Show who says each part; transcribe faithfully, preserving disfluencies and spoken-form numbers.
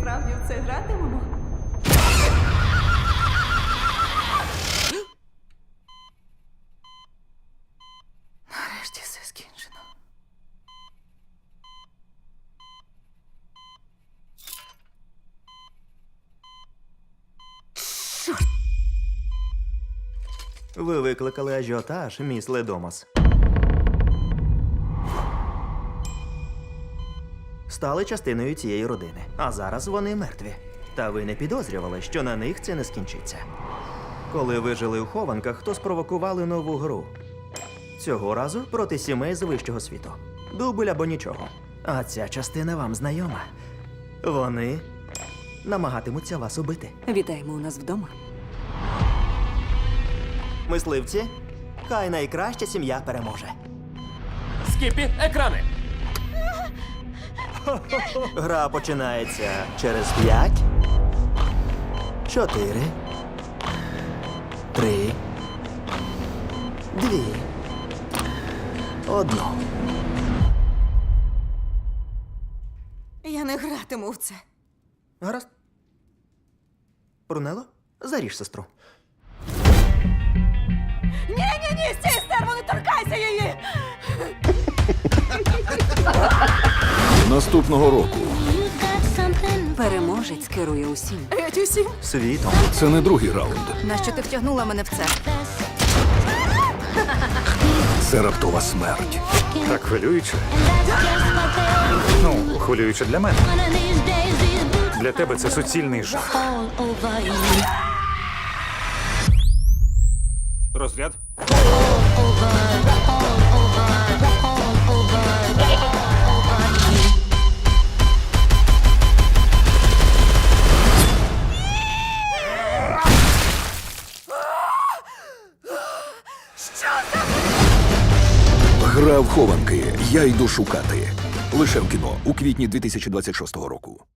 Speaker 1: справді в це гратимемо? Нарешті все скінчено.
Speaker 2: Ви викликали ажіотаж, міс Ледомас. Стали частиною цієї родини, а зараз вони мертві. Та ви не підозрювали, що на них це не скінчиться. Коли ви жили у хованках, то спровокували нову гру. Цього разу проти сімей з вищого світу. Дубль або нічого. А ця частина вам знайома. Вони намагатимуться вас убити.
Speaker 3: Вітаємо у нас вдома.
Speaker 2: Мисливці, хай найкраща сім'я переможе.
Speaker 4: Скіпі, екрани!
Speaker 2: Гра починається через п'ять, чотири, три, дві, одну.
Speaker 1: Я не гратиму в це.
Speaker 2: Гаразд. Брунело, заріж сестру.
Speaker 1: Ні-ні-ні, стій, стерво, не торкайся її!
Speaker 5: Наступного року
Speaker 3: Переможець керує усім.
Speaker 1: Геть усім.
Speaker 2: Світом.
Speaker 5: це не другий раунд.
Speaker 1: Нащо ти втягнула мене в це?
Speaker 5: Це раптова смерть.
Speaker 6: Так хвилююче. Ну, хвилююче для мене. Для тебе це суцільний жах. Розряд.
Speaker 5: Гра в хованки. Я йду шукати. Лише в кіно у квітні дві тисячі двадцять шостого року.